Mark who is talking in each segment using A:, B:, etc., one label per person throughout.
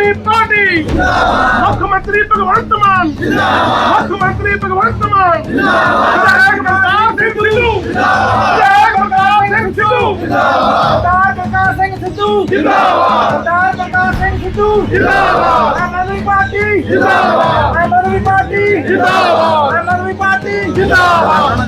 A: आदमी पार्टी मुख्यमंत्री भगवंत मान मुख्यमंत्री भगवंत मान विधायक बलकार सिंह सिद्धू विधायक बलकार सिंह सिद्धू सरदार बलकार सिंह सिद्धू जिंदाबाद सरदार बलकार सिंह सिद्धू जिंदाबाद आम आदमी पार्टी जिंदाबाद आम आदमी पार्टी जिंदाबाद आम आदमी पार्टी जिंदाबाद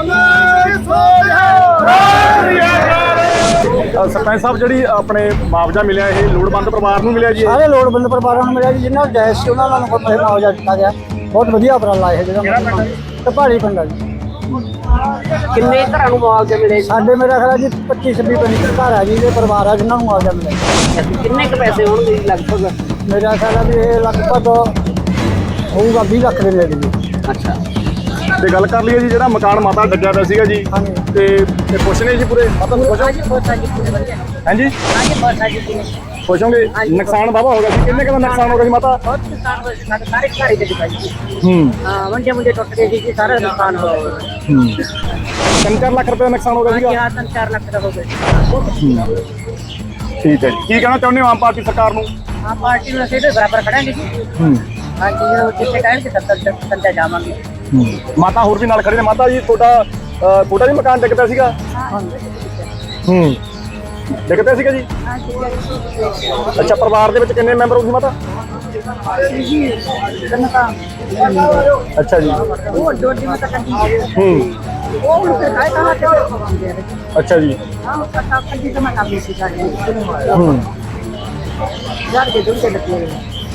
B: सरपंच साहब जी अपने मुआवजा मिले ये लोड़वंद परिवार को मिले जी
C: सारे लोड़वंद परिवारों को मिले जी जिन्होंने जायज़ से उन्होंने मुआवजा दिता गया बहुत वधिया उपराला है जो पहाड़ी पिंड है जी
D: किन्ने घरां नूं मुआवजा मिले
C: साडे मेरा ख्याल जी 25-26 घर है जी ये परिवार है जिन्होंने मुआवजा मिले
D: किन्ने क पैसे होणगे लगभग
C: मेरा ख्याल है भी ये लगभग होगा 20 लाख के नेड़े जी
D: अच्छा
B: ਤੇ ਗੱਲ ਕਰ ਲਈਏ ਜੀ ਜਿਹੜਾ ਮਕਾਨ ਮਾਤਾ ਡੱਗਿਆ ਪਿਆ ਸੀਗਾ ਜੀ ਤੇ ਖੁਸ਼ ਨੇ ਜੀ ਪੂਰੇ ਮਾਤਾ ਨੂੰ ਖੁਸ਼ ਹੋ ਹਾਂਜੀ ਖੁਸ਼ ਹੋਗੇ ਨੁਕਸਾਨ ਬਾਬਾ ਹੋ ਗਿਆ ਸੀ ਕਿੰਨੇ ਕੁ ਦਾ ਨੁਕਸਾਨ ਹੋ ਗਿਆ ਸੀ ਮਾਤਾ
D: ਸਾਰੇ ਘਰੇ ਦੇ ਦਿਖਾਈ ਹਾਂ ਵੰਡੇ ਟੁੱਟ ਗਏ ਸੀ ਸਾਰਾ ਨੁਕਸਾਨ ਹੋ ਗਿਆ
B: 3-4 ਲੱਖ ਰੁਪਏ ਦਾ ਨੁਕਸਾਨ ਹੋ ਗਿਆ ਸੀਗਾ
D: ਹਾਂ 3-4 ਲੱਖ ਦਾ ਹੋ ਗਿਆ
B: ਠੀਕ ਹੈ ਜੀ ਕੀ ਕਹਿਣਾ ਚਾਹੁੰਦੇ ਹੋ ਆਮ ਪਾਰਟੀ ਸਰਕਾਰ ਨੂੰ
D: ਆਮ ਪਾਰਟੀ ਨੂੰ ਅਸੀਂ ਤੇ ਬਰਾਬਰ ਖੜਾਂਗੇ ਜੀ ਹਾਂ ਜੀ ਜਿੱਥੇ ਕਹਿਣਗੇ ਸੱਤਾ ਜਾਵਾਂਗੇ
B: ਮਾਤਾ ਹੋਰ ਵੀ ਨਾਲ ਖੜੇ ਨੇ ਮਾਤਾ ਜੀ ਤੁਹਾਡਾ ਵੀ ਮਕਾਨ ਡਿੱਗ ਪਿਆ ਸੀਗਾ ਡਿੱਗ ਪਿਆ ਸੀਗਾ ਜੀ ਅੱਛਾ ਪਰਿਵਾਰ ਦੇ ਵਿੱਚ ਕਿੰਨੇ ਮੈਂਬਰ ਹੋ ਜੀ ਮਾਤਾ ਅੱਛਾ ਜੀ
D: ਉਹ ਡੋਡੀ ਮਤ ਕੰਦੀ ਉਹ ਹੁਣ ਤੇ ਕਾਇ ਕਹਾ ਕੇ ਪਵਾਉਂਦੇ
B: ਅੱਛਾ ਜੀ
D: ਹਾਂ ਉਹ ਤਾਂ ਕੰਦੀ ਜਮਾ ਕਰ ਲਈ ਸੀ ਸਾਡੇ ਯਾਰ ਦੇ ਦੁੱਧ ਲੱਗੇ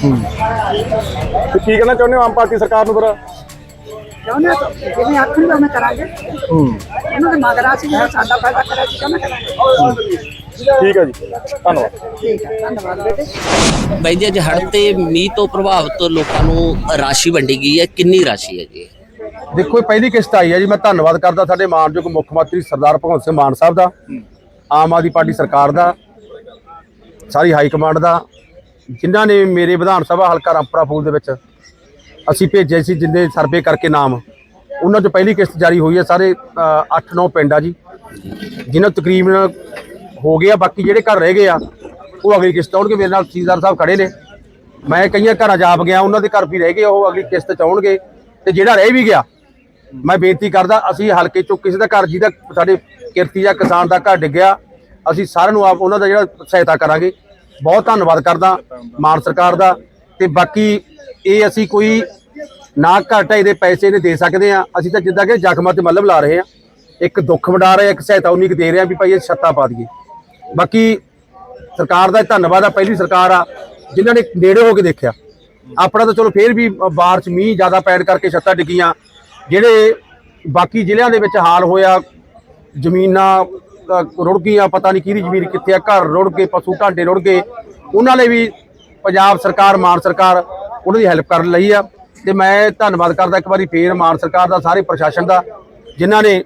B: ਤੇ ਕੀ ਕਹਿਣਾ ਚਾਹੁੰਦੇ ਹੋ ਆਮ ਪਾਰਟੀ ਸਰਕਾਰ ਨੂੰ ਫਿਰ
D: ਚਾਹੁੰਦੇ ਜਿਵੇਂ ਆਖਣ ਦਾ ਮੈਂ ਕਰਾਂਗੇ ਇਹਨਾਂ ਦੇ ਮਗਰਾ ਸੀ ਜਿਹੜਾ ਸਾਡਾ ਫਾਇਦਾ ਕਰਿਆ ਸੀ ਕਿਉਂ ਨਾ ਕਰਾਂਗੇ
B: ਠੀਕ ਹੈ ਜੀ ਧੰਨਵਾਦ
D: ਠੀਕ ਹੈ ਧੰਨਵਾਦ ਬੇਟੇ
E: ਬਾਈ ਜੀ ਅੱਜ ਹੜ੍ਹ ਤੇ ਮੀਂਹ ਤੋਂ ਪ੍ਰਭਾਵਿਤ ਲੋਕਾਂ ਨੂੰ ਰਾਸ਼ੀ ਵੰਡੀ ਗਈ ਹੈ ਕਿੰਨੀ ਰਾਸ਼ੀ ਹੈ ਜੀ
F: ਦੇਖੋ ਇਹ ਪਹਿਲੀ ਕਿਸ਼ਤ ਆਈ ਹੈ ਜੀ ਮੈਂ ਧੰਨਵਾਦ ਕਰਦਾ ਸਾਡੇ ਮਾਨਯੋਗ ਮੁੱਖ ਮੰਤਰੀ ਸਰਦਾਰ ਭਗਵੰਤ ਸਿੰਘ ਮਾਨ ਸਾਹਿਬ ਦਾ ਆਮ ਆਦਮੀ ਪਾਰਟੀ ਸਰਕਾਰ ਦਾ ਸਾਰੀ ਹਾਈ ਕਮਾਂਡ ਦਾ ਜਿਨ੍ਹਾਂ ਨੇ ਮੇਰੇ ਵਿਧਾਨ ਸਭਾ ਹਲਕਾ ਰਾਮਪੁਰਾ ਫੂਲ ਦੇ ਵਿੱਚ ਅਸੀਂ ਭੇਜੇ ਸੀ ਜਿੰਨੇ ਸਰਵੇ ਕਰਕੇ ਨਾਮ ਉਹਨਾਂ 'ਚੋਂ ਪਹਿਲੀ ਕਿਸ਼ਤ ਜਾਰੀ ਹੋਈ ਹੈ ਸਾਰੇ 8-9 ਪਿੰਡ ਆ ਜੀ ਜਿਨ੍ਹਾਂ ਤਕਰੀਬਨ ਹੋ ਗਿਆ ਬਾਕੀ ਜਿਹੜੇ ਘਰ ਰਹਿ ਗਏ ਆ ਉਹ ਅਗਲੀ ਕਿਸ਼ਤ ਆਉਣਗੇ ਮੇਰੇ ਨਾਲ ਤਹਿਸੀਲਦਾਰ ਸਾਹਿਬ ਖੜੇ ਨੇ ਮੈਂ ਕਈਆਂ ਘਰਾਂ ਜਾਪ ਗਿਆ ਉਹਨਾਂ ਦੇ ਘਰ ਵੀ ਰਹਿ ਗਏ ਉਹ ਅਗਲੀ ਕਿਸ਼ਤ 'ਚ ਆਉਣਗੇ ਤੇ ਜਿਹੜਾ ਰਹਿ ਵੀ ਗਿਆ ਮੈਂ ਬੇਨਤੀ ਕਰਦਾ ਅਸੀਂ ਹਲਕੇ 'ਚੋਂ ਕਿਸੇ ਦਾ ਘਰ ਜਿਹਦਾ ਸਾਡੇ ਕਿਰਤੀ ਜਾਂ ਕਿਸਾਨ ਦਾ ਘਰ ਡਿੱਗਿਆ ਅਸੀਂ ਸਾਰਿਆਂ ਨੂੰ ਆਪ ਉਹਨਾਂ ਦਾ ਜਿਹੜਾ ਸਹਾਇਤਾ ਕਰਾਂਗੇ ਬਹੁਤ ਧੰਨਵਾਦ ਕਰਦਾ ਮਾਨ ਸਰਕਾਰ ਦਾ ਤੇ ਬਾਕੀ ਇਹ ਅਸੀਂ ਕੋਈ ਨਾ ਘਾਟਾ ਇਹਦੇ ਪੈਸੇ ਨੇ ਦੇ ਸਕਦੇ ਆ ਅਸੀਂ ਤਾਂ ਜਿੱਦਾਂ ਕਿ ਜ਼ਖਮਾਂ ਤੇ ਮੱਲਮ ਲਾ ਰਹੇ ਆ ਇੱਕ ਦੁੱਖ ਵੰਡਾ ਰਹੇ ਇੱਕ ਸਹਾਇਤਾ ਉਨੀ ਕੁ ਦੇ ਰਹੇ ਆ ਵੀ ਭਾਈ ਇਹ ਛੱਤਾਂ ਪਾ ਦਈਏ ਬਾਕੀ ਸਰਕਾਰ ਦਾ ਧੰਨਵਾਦ ਆ ਪਹਿਲੀ ਸਰਕਾਰ ਆ ਜਿਨ੍ਹਾਂ ਨੇ ਨੇੜੇ ਹੋ ਕੇ ਦੇਖਿਆ ਆਪਣਾ ਤਾਂ ਚਲੋ ਫੇਰ ਵੀ ਬਾਰਿਸ਼ ਮੀਂਹ ਜ਼ਿਆਦਾ ਪੈਣ ਕਰਕੇ ਛੱਤਾਂ ਡਿੱਗੀਆਂ ਜਿਹੜੇ ਬਾਕੀ ਜ਼ਿਲ੍ਹਿਆਂ ਦੇ ਵਿੱਚ ਹਾਲ ਹੋਇਆ ਜ਼ਮੀਨਾਂ ਰੁੜ ਗਈਆਂ ਪਤਾ ਨਹੀਂ ਕਿਹਦੀ ਜ਼ਮੀਨ ਕਿੱਥੇ ਆ ਘਰ ਰੁੜ ਗਏ ਪਸ਼ੂ ਢਾਂਡੇ ਰੁੜ ਗਏ ਉਹਨਾਂ ਲਈ ਵੀ ਪੰਜਾਬ ਸਰਕਾਰ ਮਾਨ ਸਰਕਾਰ ਉਹਨਾਂ ਦੀ ਹੈਲਪ ਕਰਨ ਲਈ ਆ ਤੇ ਮੈਂ ਧੰਨਵਾਦ ਕਰਦਾ ਇੱਕ ਵਾਰੀ ਫੇਰ ਮਾਨ ਸਰਕਾਰ ਦਾ ਸਾਰੇ ਪ੍ਰਸ਼ਾਸਨ ਦਾ ਜਿਨ੍ਹਾਂ ਨੇ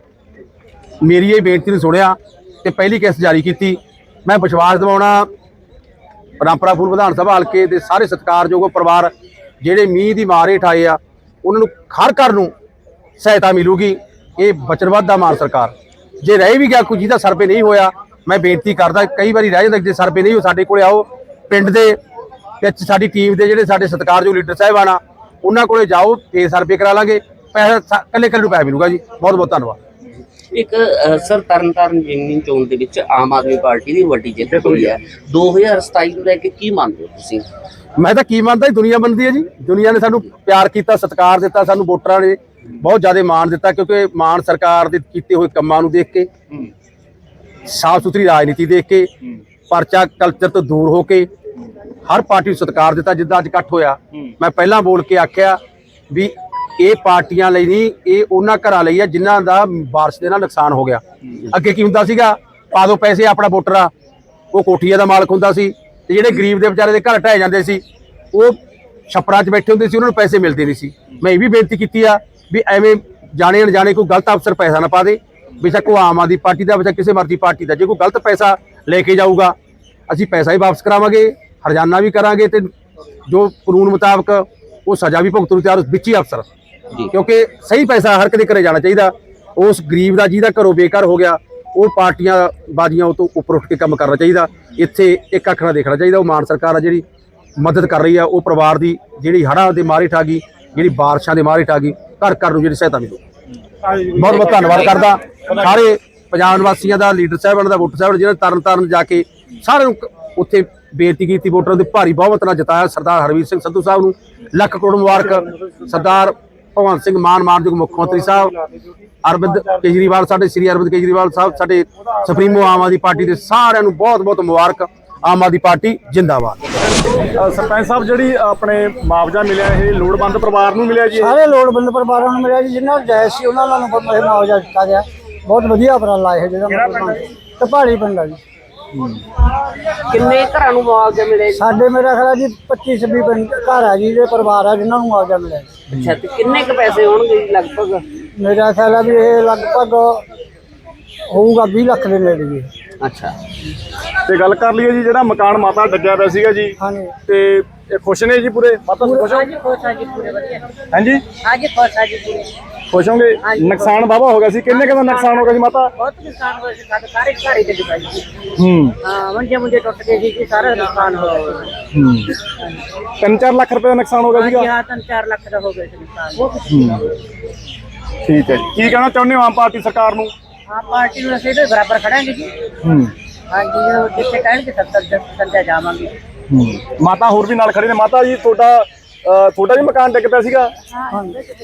F: ਮੇਰੀ ਇਹ ਬੇਨਤੀ ਨੂੰ ਸੁਣਿਆ ਤੇ ਪਹਿਲੀ ਕਿਸ਼ਤ ਜਾਰੀ ਕੀਤੀ ਮੈਂ ਵਿਸ਼ਵਾਸ ਦਿਵਾਉਣਾ ਰਾਮਪੁਰਾ ਫੂਲ ਵਿਧਾਨ ਸਭਾ ਹਲਕੇ ਦੇ ਸਾਰੇ ਸਤਿਕਾਰਯੋਗ ਪਰਿਵਾਰ ਜਿਹੜੇ ਮੀਂਹ ਦੀ ਮਾਰ ਹੇਠ ਆਏ ਆ ਉਹਨਾਂ ਨੂੰ ਹਰ ਘਰ ਨੂੰ ਸਹਾਇਤਾ ਮਿਲੂਗੀ ਇਹ ਵਚਨਬੱਧ ਦਾ ਮਾਨ ਸਰਕਾਰ ਜੇ ਰਹਿ ਵੀ ਗਿਆ ਕੋਈ ਜਿਹਦਾ ਸਰਵੇ ਨਹੀਂ ਹੋਇਆ ਮੈਂ ਬੇਨਤੀ ਕਰਦਾ ਕਈ ਵਾਰੀ ਰਹਿ ਜਾਂਦਾ ਜੇ ਸਰਵੇ ਨਹੀਂ ਹੋ ਸਾਡੇ ਕੋਲੇ ਆਓ ਪਿੰਡ ਦੇ ਵਿੱਚ ਸਾਡੀ ਟੀਮ ਦੇ ਜਿਹੜੇ ਸਾਡੇ ਸਤਿਕਾਰਯੋਗ ਲੀਡਰ ਸਾਹਿਬਾਨ ਆ ਉਹਨਾਂ ਕੋਲੇ ਜਾਓ ਫੇਰ ਸਰਵੇ ਕਰਾ ਲਾਂਗੇ ਪੈਸਾ ਕੱਲੇ ਨੂੰ ਪੈਸਾ ਮਿਲੂਗਾ ਜੀ ਬਹੁਤ ਬਹੁਤ ਧੰਨਵਾਦ
E: ਇੱਕ ਸਰ ਤਰਨਤਾਰਨ ਜ਼ਿਮਨੀ ਚੋਣ ਦੇ ਵਿੱਚ ਆਮ ਆਦਮੀ ਪਾਰਟੀ ਦੀ ਵੱਡੀ ਜਿੱਤ ਹੋਈ ਹੈ 2027 ਨੂੰ ਲੈ ਕੇ ਕੀ ਮੰਨਦੇ ਹੋ ਤੁਸੀਂ
F: ਮੈਂ ਤਾਂ ਕੀ ਮੰਨਦਾ ਦੁਨੀਆ ਮੰਨਦੀ ਹੈ ਜੀ ਦੁਨੀਆ ਨੇ ਸਾਨੂੰ ਪਿਆਰ ਕੀਤਾ ਸਤਿਕਾਰ ਦਿੱਤਾ ਸਾਨੂੰ ਵੋਟਰਾਂ ਨੇ ਬਹੁਤ ਜ਼ਿਆਦਾ ਮਾਣ ਦਿੱਤਾ ਕਿਉਂਕਿ ਮਾਨ ਸਰਕਾਰ ਦੇ ਕੀਤੇ ਹੋਏ ਕੰਮਾਂ ਨੂੰ ਦੇਖ ਕੇ ਸਾਫ਼ ਸੁਥਰੀ ਰਾਜਨੀਤੀ ਦੇਖ ਕੇ ਪਰਚਾ ਕਲਚਰ ਤੋਂ ਦੂਰ ਹੋ ਕੇ ਹਰ ਪਾਰਟੀ ਨੂੰ ਸਤਿਕਾਰ ਦਿੱਤਾ ਜਿੱਦਾਂ ਅੱਜ ਇਕੱਠ ਹੋਇਆ ਮੈਂ ਪਹਿਲਾਂ ਬੋਲ ਕੇ ਆਖਿਆ ਵੀ ਇਹ ਪਾਰਟੀਆਂ ਲਈ ਨਹੀਂ ਇਹ ਉਹਨਾਂ ਘਰਾਂ ਲਈ ਆ ਜਿਨ੍ਹਾਂ ਦਾ ਬਾਰਿਸ਼ ਦੇ ਨਾਲ ਨੁਕਸਾਨ ਹੋ ਗਿਆ ਅੱਗੇ ਕੀ ਹੁੰਦਾ ਸੀਗਾ ਪਾ ਦੋ ਪੈਸੇ ਆਪਣਾ ਵੋਟਰ ਆ ਉਹ ਕੋਠੀਆਂ ਦਾ ਮਾਲਕ ਹੁੰਦਾ ਸੀ ਤੇ ਜਿਹੜੇ ਗਰੀਬ ਦੇ ਵਿਚਾਰੇ ਦੇ ਘਰ ਢਹਿ ਜਾਂਦੇ ਸੀ ਉਹ ਛੱਪੜਾਂ 'ਚ ਬੈਠੇ ਹੁੰਦੇ ਸੀ ਉਹਨਾਂ ਨੂੰ ਪੈਸੇ ਮਿਲਦੇ ਨਹੀਂ ਸੀ ਮੈਂ ਇਹ ਵੀ ਬੇਨਤੀ ਕੀਤੀ ਆ ਵੀ ਐਵੇਂ ਜਾਣੇ ਅਣਜਾਣੇ ਕੋਈ ਗਲਤ ਅਫਸਰ ਪੈਸਾ ਨਾ ਪਾ ਦੇ ਬੇਸ਼ੱਕ ਉਹ ਆਮ ਆਦਮੀ ਪਾਰਟੀ ਦਾ ਬੇਸ਼ੱਕ ਕਿਸੇ ਮਰਜ਼ੀ ਪਾਰਟੀ ਦਾ ਜੇ ਕੋਈ ਗਲਤ ਪੈਸਾ ਲੈ ਕੇ ਜਾਊਗਾ ਅਸੀਂ ਪੈਸਾ ਹੀ ਵਾਪਸ ਕਰਾਵਾਂਗੇ ਹਰਜਾਨਾ ਵੀ ਕਰਾਂਗੇ ਤੇ ਜੋ ਕਾਨੂੰਨ ਮੁਤਾਬਕ ਉਹ ਸਜ਼ਾ ਵੀ ਭੁਗਤਣ ਨੂੰ ਤਿਆਰ ਵਿੱਚ ਹੀ ਅਫਸਰ ਕਿਉਂਕਿ ਸਹੀ ਪੈਸਾ ਹਰ ਕਦੇ ਘਰੇ ਜਾਣਾ ਚਾਹੀਦਾ ਉਸ ਗਰੀਬ ਦਾ ਜਿਹਦਾ ਘਰੋਂ ਬੇਕਾਰ ਹੋ ਗਿਆ ਉਹ ਪਾਰਟੀਆਂ ਬਾਜ਼ੀਆਂ ਤੋਂ ਉੱਪਰ ਉੱਠ ਕੇ ਕੰਮ ਕਰਨਾ ਚਾਹੀਦਾ ਇੱਥੇ ਇੱਕ ਅੱਖ ਨਾਲ ਦੇਖਣਾ ਚਾਹੀਦਾ ਉਹ ਮਾਨ ਸਰਕਾਰ ਆ ਜਿਹੜੀ ਮਦਦ ਕਰ ਰਹੀ ਆ ਉਹ ਪਰਿਵਾਰ ਦੀ, ਜਿਹੜੀ ਹੜ੍ਹਾਂ ਦੇ ਮਾਰੇ ਠਾ ਗਈ, ਜਿਹੜੀ ਬਾਰਿਸ਼ਾਂ ਦੇ ਮਾਰੇ ਠਾ ਗਈ, ਘਰ ਘਰ ਨੂੰ ਜਿਹੜੀ ਸਹਾਇਤਾ ਮਿਲੂ। ਬਹੁਤ ਬਹੁਤ ਧੰਨਵਾਦ ਕਰਦਾ ਸਾਰੇ ਪੰਜਾਬ ਨਿਵਾਸੀਆਂ ਦਾ, ਲੀਡਰ ਸਾਹਿਬਾਨ ਦਾ, ਵੋਟਰ ਸਾਹਿਬਾਨ ਜਿਹਨਾਂ ਤਰਨ ਤਾਰਨ ਜਾ ਕੇ ਸਾਰਿਆਂ ਨੂੰ ਉੱਥੇ ਬੇਨਤੀ ਕੀਤੀ, ਵੋਟਰਾਂ ਦੇ ਭਾਰੀ ਬਹੁਮਤ ਨਾਲ ਜਿਤਾਇਆ ਸਰਦਾਰ ਹਰਵੀਰ ਸਿੰਘ ਸੰਧੂ ਸਾਹਿਬ ਨੂੰ ਲੱਖ ਕਰੋੜ ਮੁਬਾਰਕ। ਸਰਦਾਰ ਭਗਵੰਤ ਸਿੰਘ ਮਾਨ ਮਾਨਯੋਗ ਮੁੱਖ ਮੰਤਰੀ ਸਾਹਿਬ, ਅਰਵਿੰਦ ਕੇਜਰੀਵਾਲ ਸਾਡੇ ਸ੍ਰੀ ਅਰਵਿੰਦ ਕੇਜਰੀਵਾਲ ਸਾਹਿਬ ਸਾਡੇ ਸੁਪਰੀਮੋ ਆਮ ਆਦਮੀ ਪਾਰਟੀ ਦੇ ਸਾਰਿਆਂ ਨੂੰ ਬਹੁਤ ਬਹੁਤ ਮੁਬਾਰਕ। ਆਮ ਆਦਮੀ ਪਾਰਟੀ ਜਿੰਦਾਬਾਦ।
B: ਸਰਪੰਚ ਸਾਹਿਬ ਜਿਹੜੀ ਆਪਣੇ ਮੁਆਵਜ਼ਾ ਮਿਲਿਆ ਇਹ ਲੋੜਵੰਦ ਪਰਿਵਾਰ ਨੂੰ ਮਿਲਿਆ ਜੀ?
C: ਸਾਰੇ ਲੋੜਵੰਦ ਪਰਿਵਾਰਾਂ ਨੂੰ ਮਿਲਿਆ ਜੀ, ਜਿਨ੍ਹਾਂ ਨੂੰ ਜਾਇਜ਼ ਸੀ ਉਹਨਾਂ ਨੂੰ ਇਹ ਮੁਆਵਜ਼ਾ ਦਿੱਤਾ ਗਿਆ। ਬਹੁਤ ਵਧੀਆ ਉਪਰਾਲਾ ਇਹ ਜਿਹੜਾ ਢਪਾਲੀ ਪਿੰਡ ਆ ਜੀ।
E: ਕਿੰਨੇ ਘਰਾਂ ਨੂੰ ਮੁਆਵਜ਼ਾ ਮਿਲੇ?
C: ਸਾਡੇ ਮੇਰਾ ਖਿਆਲ ਜੀ 25-26 ਪਿੰਡ ਘਰ ਆ ਜੀ ਦੇ ਪਰਿਵਾਰ ਆ ਜਿਨ੍ਹਾਂ ਨੂੰ ਮੁਆਵਜ਼ਾ ਮਿਲਿਆ।
E: ਅੱਛਾ, ਤੇ ਕਿੰਨੇ ਕੁ ਪੈਸੇ ਹੋਣਗੇ ਜੀ ਲਗਭਗ?
C: ਮੇਰਾ ਖਿਆਲ ਆ ਵੀ ਇਹ ਲਗਭਗ ਹੋਊਗਾ 20 ਲੱਖ ਦੇ ਨੇੜੇ ਜੀ।
E: ਅੱਛਾ,
B: ਤੇ ਗੱਲ ਕਰ ਲਈਏ ਜੀ ਜਿਹੜਾ ਮਕਾਨ ਮਾਤਾ ਡੱਗਿਆ ਪਿਆ ਸੀਗਾ ਜੀ,
C: ਹਾਂਜੀ
B: ਤੇ ਇਹ ਖੁਸ਼ ਨੇ ਜੀ ਪੂਰੇ? ਮਾਤਾ ਖੁਸ਼ ਹੋ?
D: ਖੁਸ਼ ਆ ਜੀ ਪੂਰੇ ਵਧੀਆ।
B: ਹਾਂਜੀ
D: ਹਾਂਜੀ ਖੁਸ਼ ਆ ਜੀ ਪੂਰੇ।
B: ਖੁਸ਼ ਹੋਗੇ? ਨੁਕਸਾਨ ਵਾਹਵਾ ਹੋ ਗਿਆ ਸੀ, ਕਿੰਨੇ ਦਾ ਨੁਕਸਾਨ ਹੋ ਗਿਆ ਸੀ ਮਾਤਾ?
D: ਬਹੁਤ ਨੁਕਸਾਨ ਹੋਇਆ ਸੀ, ਸਾਡੇ ਸਾਰੇ ਘਰ ਹੀ ਤੇ ਡਿੱਗਾ ਜੀ।
B: ਹੂੰ
D: ਹਾਂ, ਮੰਜੇ ਟੁੱਟ ਗਏ ਜੀ, ਸਾਰਾ ਨੁਕਸਾਨ ਹੋਇਆ।
B: 3-4 ਲੱਖ ਰੁਪਏ ਦਾ ਨੁਕਸਾਨ ਹੋ ਗਿਆ ਸੀਗਾ?
D: ਹਾਂ, 3-4 ਲੱਖ ਦਾ ਹੋ ਗਿਆ ਸੀ ਨੁਕਸਾਨ।
B: ਠੀਕ ਹੈ ਜੀ, ਕੀ ਕਹਿਣਾ ਚਾਹੁੰਦੇ ਹੋ ਆਮ ਪਾਰਟੀ ਸਰਕਾਰ ਨੂੰ?
D: ਹਾਂ, ਪਾਰਟੀ ਨੂੰ ਅਸੀਂ ਇਹਦੇ ਬਰਾਬਰ ਖੜਾਂਗੇ ਜੀ। ਹਾਂਜੀ, ਜਦੋਂ ਜਿੱਥੇ ਕਹਿਣਗੇ 70 ਜਾਵਾਂਗੇ।
B: ਮਾਤਾ ਹੋਰ ਵੀ ਨਾਲ ਖੜੇ ਨੇ। ਮਾਤਾ ਜੀ ਤੁਹਾਡਾ ਵੀ ਮਕਾਨ ਡਿੱਗ ਪਿਆ ਸੀਗਾ?
D: ਹਾਂ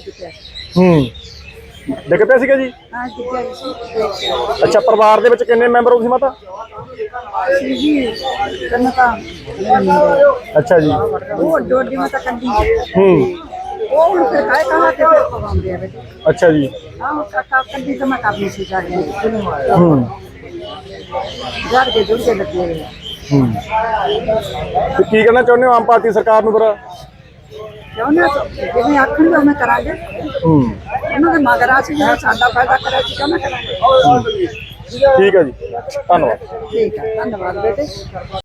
B: ਡਿੱਗ ਪਿਆ ਸੀਗਾ ਜੀ?
D: ਹਾਂ ਜੀ।
B: ਅੱਛਾ, ਪਰਿਵਾਰ ਦੇ ਵਿੱਚ ਕਿੰਨੇ ਮੈਂਬਰ ਹੋ ਤੁਸੀਂ ਮਾਤਾ?
D: ਜੀ ਕਰਨਾ ਤਾਂ
B: ਅੱਛਾ ਜੀ।
D: ਉਹ ਡੋਡੀ ਮਾ ਤਾਂ ਕੰਦੀ
B: ਹੂੰ,
D: ਉਹ ਹੁਣ ਫਿਰ ਕਾਇ ਕਹਾਂ ਤੇ ਫਿਰ ਪਵਾਉਂਦੇ ਆ ਬੇਟੇ।
B: ਅੱਛਾ ਜੀ।
D: ਹਾਂ, ਕਾਕਾ ਕੰਦੀ ਤਾਂ ਮੈਂ ਕਾਬੀ ਸੀ ਜਾਣੀ।
B: ਹੂੰ
D: ਘਰ ਦੇ ਜੁੜ ਕੇ ਲੱਗੇ ਹੋਏ ਆ।
B: ਤੇ ਕੀ ਕਹਿਣਾ ਚਾਹੁੰਦੇ ਹੋ ਆਮ ਪਾਰਟੀ ਸਰਕਾਰ ਨੂੰ ਫਿਰ?
D: ਚਾਹੁੰਦੇ ਜਿਵੇਂ ਆਖਣਗੇ ਉਵੇਂ ਕਰਾਂਗੇ। ਉਹਨਾਂ ਦੇ ਮਗਰ ਅਸੀਂ ਜਿਹੜਾ ਸਾਡਾ ਫਾਇਦਾ ਕਰਿਆ ਸੀ ਕਿਉਂ ਨਾ ਕਰਾਂਗੇ।
B: ਠੀਕ ਹੈ ਜੀ, ਧੰਨਵਾਦ।
D: ਠੀਕ ਹੈ, ਧੰਨਵਾਦ ਬੇਟੇ।